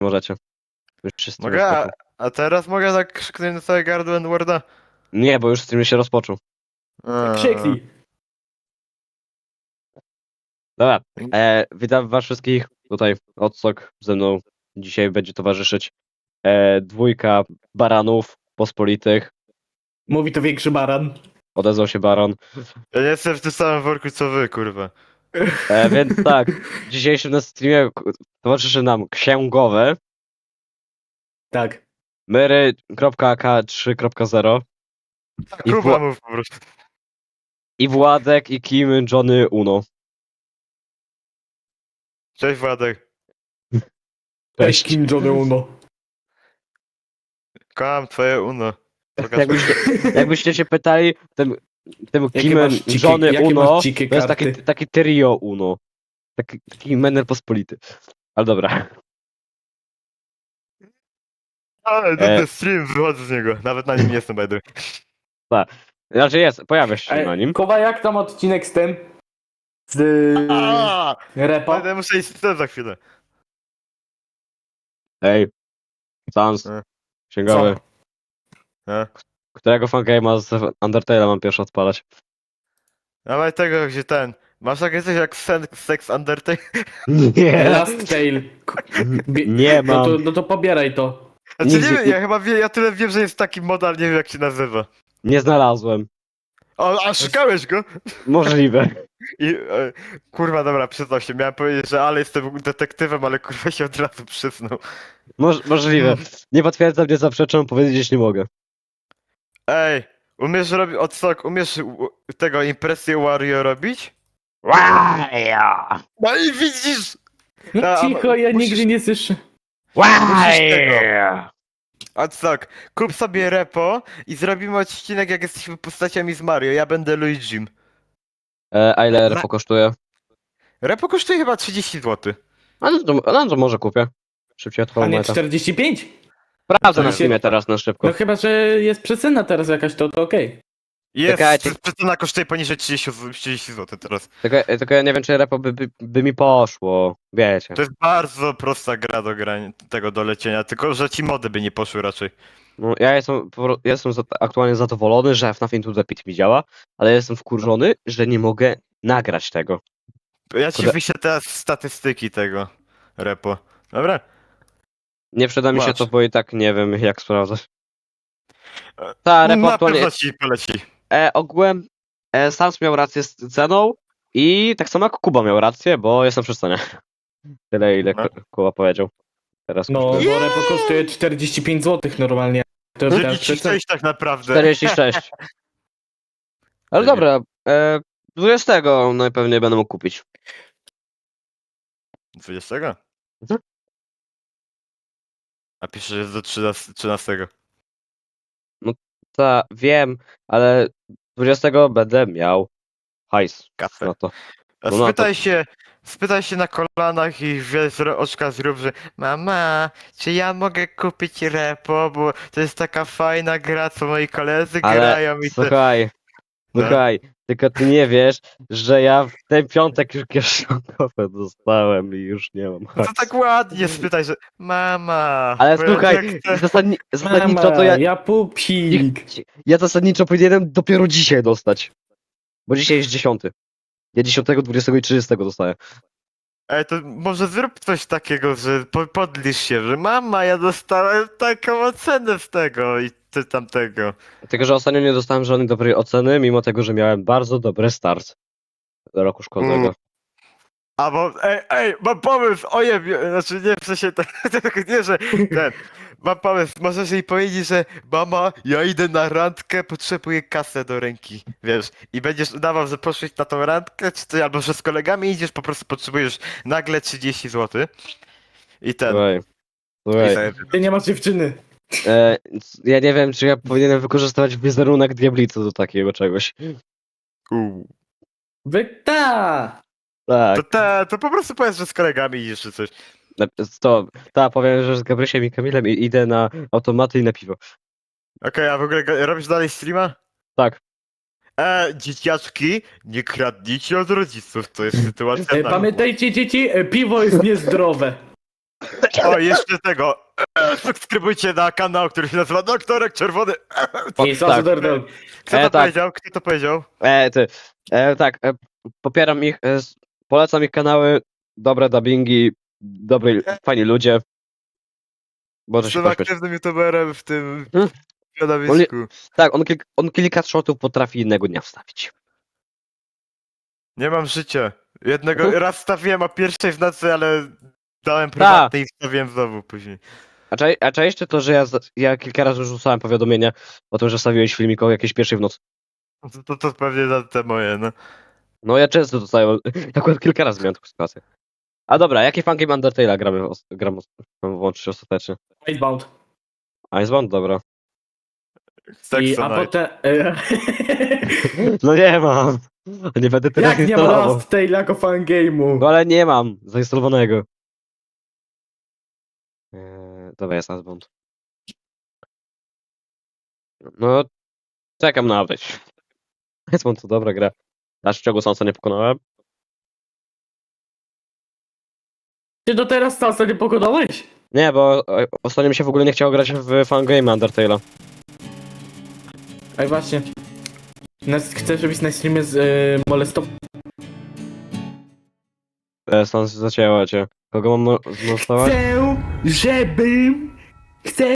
możecie. Już wszyscy Mogę, spoko. a teraz mogę tak krzyknąć na całe gardło N-worda? Nie, bo już stream się rozpoczął. Krzyknij. Dobra, witam was wszystkich. Tutaj Odsok ze mną dzisiaj będzie towarzyszyć. Dwójka baranów pospolitych. Mówi to większy baran. Odezwał się baron. Ja nie jestem w tym samym worku co wy, kurwa. Więc tak, w dzisiejszym na streamie towarzyszy nam księgowy Tak. Myry.ak3.0 Tak, I Kuba wła- mów po prostu. i Władek i Kim Johnny Uno. Cześć Władek. Cześć, Kim Jong-uno. Kocham twoje uno. Pokaż Jakbyście się pytali, tym Jakie Kim masz dzikie- Johnny jakie Uno masz dzikie to jest karty? taki trio Uno. Taki menel pospolity. Ale dobra. Ale ten stream, wychodzę z niego. Nawet na nim nie jestem, by the way. Znaczy jest, pojawia się na nim. Kowa, jak tam odcinek z tym? Z repa? Będę muszę iść z tym za chwilę. Ej. Sans. E. Księgowy. E? Którego fangame'a z Undertale'a mam pierwszy odpalać? Dawaj tego, gdzie ten. Masz takie coś jak Sex Undertale? Nie. Last Tale. Nie mam. No to pobieraj to. Znaczy Nigdzie- nie wiem, ja chyba ja tyle wiem, że jest taki mod, ale nie wiem jak się nazywa. Nie znalazłem. O, a szukałeś go? Możliwe. I kurwa, dobra, przyznał się. Miałem powiedzieć, że ale jestem detektywem, ale kurwa się od razu przyznał. Możliwe. Nie potwierdzam, nie zaprzeczam, powiedzieć nie mogę. Ej, umiesz robić odsok, umiesz tego impresję Wario robić? Wario! No i widzisz! No A, cicho, ja musisz- nigdy nie słyszę. Wario! Odsok, kup sobie repo i zrobimy odcinek jak jesteśmy postaciami z Mario. Ja będę Luigim. A ile repo kosztuje? Repo kosztuje chyba 30 zł. No to może kupię. Szybciej A odpalam nie meta. 45? Sprawdzę na Ale się- Steamie teraz na szybko. No chyba, że jest przecena teraz jakaś, to okej. Jest, Czekajcie. cena kosztuje poniżej 30 zł teraz. Tylko ja nie wiem, czy repo by mi poszło. Wiecie. To jest bardzo prosta gra do grania, tego do lecienia, tylko że ci mody by nie poszły raczej. No, ja jestem aktualnie zadowolony, że FNAF Into the Pit mi działa, ale jestem wkurzony, że nie mogę nagrać tego. Ja ci Kurde. wyślę teraz statystyki tego repo. Dobra? Nie przyda mi się Masz. to, bo i tak nie wiem, jak sprawdzać. Ta repo Na aktualnie... pewno ci poleci. Ogółem Sans miał rację z ceną i tak samo jak Kuba miał rację, bo jestem przy cenie. Tyle, ile No. Kuba powiedział. Teraz No, kosztuje bo repo kosztuje 45 zł normalnie. To jest teraz przecena. 36 tak naprawdę. 46. Ale Nie. dobra, 20 najpewniej będę mógł kupić. 20? Mhm. A pisze, że jest do 13. Ta, wiem, ale 20 będę miał hajs Kasę. na to. A No, no, spytaj się na kolanach i wiesz, oczka zrób, że mama, czy ja mogę kupić repo, bo to jest taka fajna gra, co moi koledzy Ale grają i te... słuchaj, No. słuchaj, tylko ty nie wiesz, że ja w ten piątek już kieszonkowe dostałem i już nie mam No to hajsu. tak ładnie spytaj, że mama... Ale bo ja słuchaj, tak chcę- zasadniczo Mama, to ja pupik. ja zasadniczo powinienem dopiero dzisiaj dostać. Bo dzisiaj jest 10. Ja 10, 20 i 30 dostaję. Ej, to może zrób coś takiego, że podlisz się, że mama, ja dostałem taką ocenę z tego i ty tamtego. Tylko, że ostatnio nie dostałem żadnej dobrej oceny, mimo tego, że miałem bardzo dobry start do roku szkolnego. A bo, ej, mam pomysł, ojej, znaczy nie, w sensie, nie, że ten, mam pomysł, możesz jej powiedzieć, że mama, ja idę na randkę, potrzebuję kasę do ręki, wiesz, i będziesz udawał, że poszłeś na tą randkę, czy ty, albo że z kolegami idziesz, po prostu potrzebujesz nagle 30 zł i ten, Słuchaj, i słuchaj. sobie, Ty nie masz dziewczyny. Ja nie wiem, czy ja powinienem wykorzystywać wizerunek diablicy do takiego czegoś. Ta! Tak, to po prostu powiedz, że z kolegami idziesz, czy coś. powiem, że z Gabrysiem i Kamilem idę na automaty i na piwo. Okej, a w ogóle robisz dalej streama? Tak. Dzieciaczki, nie kradnijcie od rodziców, to jest sytuacja na... Pamiętajcie dzieci, piwo jest niezdrowe. O, jeszcze tego. Subskrybujcie na kanał, który się nazywa Doktorek Czerwony. I tak. Sazerdel. Kto to tak. powiedział? Kto to powiedział? Tak, popieram ich, polecam ich kanały, dobre dubbingi, dobry, fajni ludzie. Może się Jestem pośmiać. aktywnym youtuberem w tym Hmm? środowisku. Tak, on kilka shotów potrafi innego dnia wstawić. Nie mam życia. Jednego Mhm. raz wstawiłem o 1 w nocy, ale dałem prywatny i wstawiłem znowu później. A czaisz ty to, że ja kilka razy już rzucałem powiadomienia o tym, że wstawiłeś filmik o jakiejś pierwszej w nocy? To pewnie za te moje, no. No ja często dostaję, akurat kilka razy miałem taką sytuację. A dobra, jaki fangame Undertale'a mam włączyć ostatecznie? Icebound. Icebound? Dobra. A Saxonite. potem... No nie mam. Nie będę teraz Jak nie ma instalował. Last Tale jako fangame'u? No ale nie mam zainstalowanego. Dobra, jest Icebound. No, czekam na update. Icebound to dobra gra. Aż czego Sansa nie pokonałem? Ty do teraz Sansa nie pokonałeś? Nie, bo ostatnio mi się w ogóle nie chciało grać w fangame Undertale'a. Ej, właśnie. Chcesz robić na streamie z molestowaniem? Sans zacięła cię. Kogo mam zmolestować? Chcę, żebym... Chcę,